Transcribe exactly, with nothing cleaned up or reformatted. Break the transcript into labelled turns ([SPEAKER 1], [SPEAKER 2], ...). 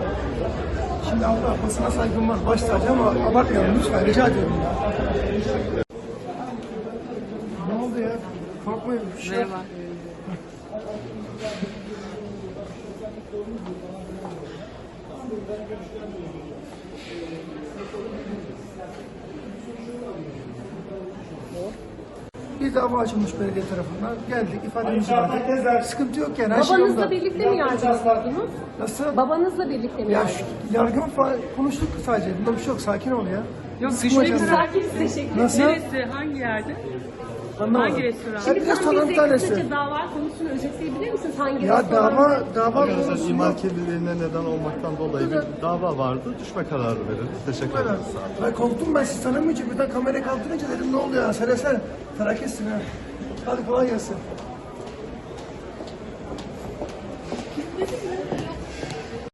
[SPEAKER 1] Şimdi Allah basına saygım var, baş tacı ama abartmayalım lütfen, rica ediyorum ya. Ne oldu ya? Korkmayın.
[SPEAKER 2] Merhaba.
[SPEAKER 1] Bir dava açılmış belediye tarafından. Geldik, ifademizi verdik. Sıkıntı yok yani. Her şey
[SPEAKER 3] Babanızla
[SPEAKER 1] yolunda.
[SPEAKER 3] birlikte mi yargılanıyordunuz?
[SPEAKER 1] Nasıl?
[SPEAKER 3] Babanızla birlikte mi
[SPEAKER 1] Ya
[SPEAKER 3] yargılanıyordunuz?
[SPEAKER 1] şu yargı falan konuştuk sadece. Bunda bir şey yok. Sakin ol ya.
[SPEAKER 2] Yok,
[SPEAKER 1] Sıkma
[SPEAKER 2] düşmek
[SPEAKER 1] canını.
[SPEAKER 2] üzere.
[SPEAKER 3] Sakin, teşekkür
[SPEAKER 1] Nasıl?
[SPEAKER 2] Neresi? Hangi yerde?
[SPEAKER 1] Anlamadım.
[SPEAKER 2] Hangi restoran?
[SPEAKER 1] Hadi
[SPEAKER 3] Şimdi
[SPEAKER 1] restoran
[SPEAKER 3] sen
[SPEAKER 1] bir
[SPEAKER 3] bize
[SPEAKER 1] tanesi.
[SPEAKER 3] kısaca dava konusunu özetleyebilir misiniz? Hangi
[SPEAKER 1] Ya
[SPEAKER 3] restoran?
[SPEAKER 1] dava, dava
[SPEAKER 4] Arkadaşlar
[SPEAKER 1] konusu
[SPEAKER 4] imar
[SPEAKER 1] yok.
[SPEAKER 4] kirliliğine neden olmaktan dolayı bir dava vardı. Düşme kararı verildi. Teşekkür ederim.
[SPEAKER 1] Ben korktum, ben sizi tanımayınca birden kamerayı kaldırınca dedim ne oluyor ya, sen sen felaketsin ha. Hadi kolay gelsin.